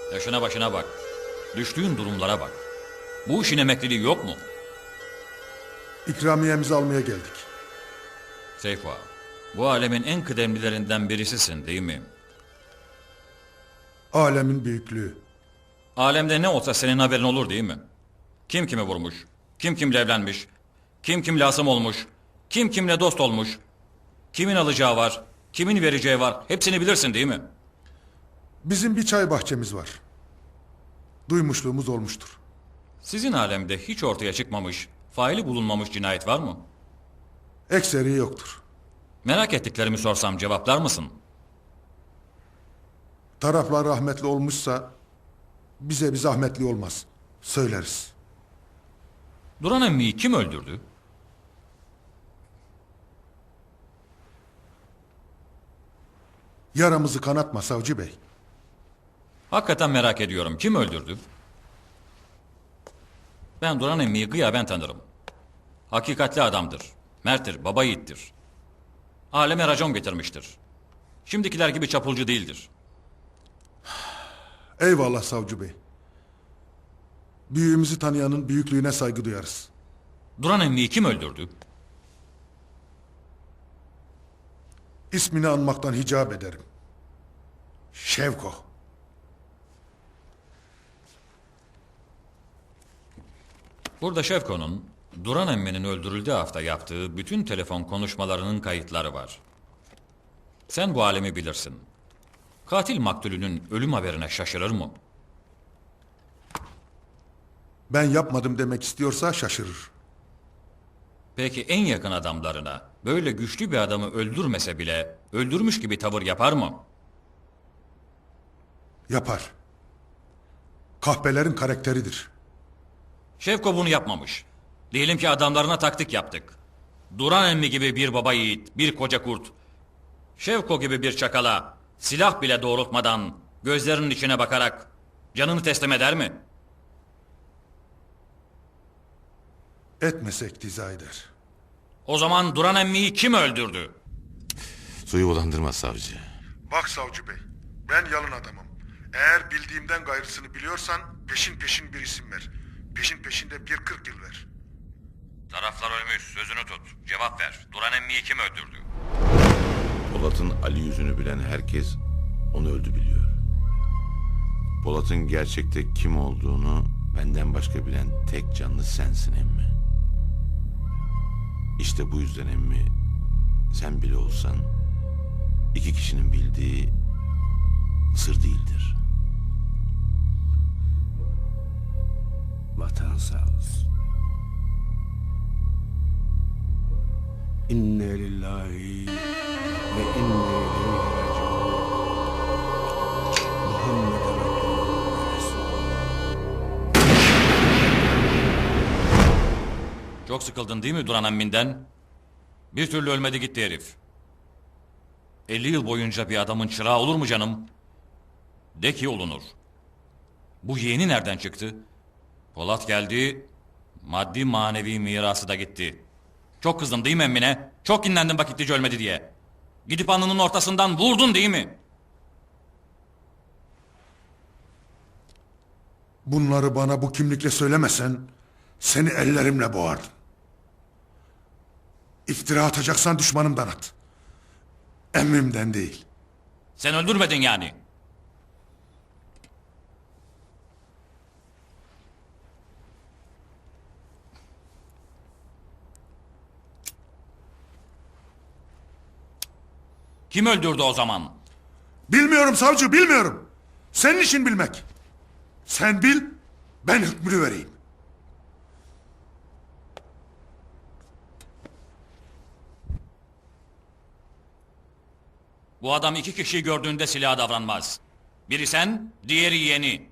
Yaşına başına bak. Düştüğün durumlara bak. Bu işin emekliliği yok mu? İkramiyemizi almaya geldik. Seyfo, bu alemin en kıdemlilerinden birisisin değil mi? Alemin büyüklüğü. Alemde ne olsa senin haberin olur değil mi? Kim kimi vurmuş, kim kimle evlenmiş, kim kimle asım olmuş, kim kimle dost olmuş, kimin alacağı var, kimin vereceği var, hepsini bilirsin değil mi? Bizim bir çay bahçemiz var. Duymuşluğumuz olmuştur. Sizin alemde hiç ortaya çıkmamış, faili bulunmamış cinayet var mı? Ekseri yoktur. Merak ettiklerimi sorsam cevaplar mısın? Taraflar rahmetli olmuşsa bize bir zahmetli olmaz. Söyleriz. Duran emmiyi kim öldürdü? Yaramızı kanatma savcı bey. Hakikaten merak ediyorum. Kim öldürdü? Ben Duran emmiyi gıyaben tanırım. Hakikatli adamdır. Merttir, baba yiğittir. Aleme racon getirmiştir. Şimdikiler gibi çapulcu değildir. Eyvallah savcı bey. Büyüğümüzü tanıyanın büyüklüğüne saygı duyarız. Duran emmiyi kim öldürdü? İsmini anmaktan hicap ederim. Şevko. Burada Şevko'nun Duran emminin öldürüldüğü hafta yaptığı bütün telefon konuşmalarının kayıtları var. Sen bu alemi bilirsin. Katil maktulünün ölüm haberine şaşırır mı? Ben yapmadım demek istiyorsa şaşırır. Peki en yakın adamlarına böyle güçlü bir adamı öldürmese bile öldürmüş gibi tavır yapar mı? Yapar. Kahpelerin karakteridir. Şevko bunu yapmamış. Diyelim ki adamlarına taktik yaptık. Duran emmi gibi bir baba yiğit, bir koca kurt. Şevko gibi bir çakala silah bile doğrultmadan gözlerinin içine bakarak canını teslim eder mi? Etmesek diza eder. O zaman Duran emmiyi kim öldürdü? Suyu bulandırma savcı. Bak savcı bey, ben yalın adamım. Eğer bildiğimden gayrısını biliyorsan peşin peşin bir isim ver. Peşin peşinde bir 40 yıl ver. Taraflar ölmüş, sözünü tut. Cevap ver. Duran emmiyi kim öldürdü? Polat'ın Ali yüzünü bilen herkes onu öldü biliyor. Polat'ın gerçekte kim olduğunu benden başka bilen tek canlı sensin emmi. İşte bu yüzden emmi, sen bile olsan iki kişinin bildiği sır değildir. Vatan sağ olsun. İnne lillahi ve inne ileyhi raciun. Muhammeden Abdullah ve Resulü. Çok sıkıldın değil mi Duran emminden? Bir türlü ölmedi gitti herif. 50 yıl boyunca bir adamın çırağı olur mu canım? De ki olunur. Bu yeğeni nereden çıktı? Polat geldi, maddi manevi mirası da gitti. Çok kızdın değil mi emmine? Çok kinlendin vakitlice ölmedi diye. Gidip alnının ortasından vurdun değil mi? Bunları bana bu kimlikle söylemesen seni ellerimle boğardım. İftira atacaksan düşmanımdan at. Emmimden değil. Sen öldürmedin yani. Kim öldürdü o zaman? Bilmiyorum savcı, bilmiyorum. Senin işin bilmek. Sen bil, ben hükmünü vereyim. Bu adam iki kişiyi gördüğünde silaha davranmaz. Biri sen, diğeri yeğeni.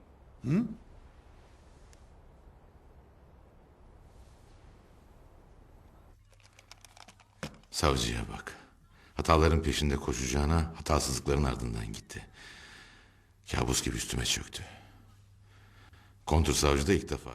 Savcıya bak. Hataların peşinde koşacağına hatasızlıkların ardından gitti. Kabus gibi üstüme çöktü. Kontursavcı da ilk defa.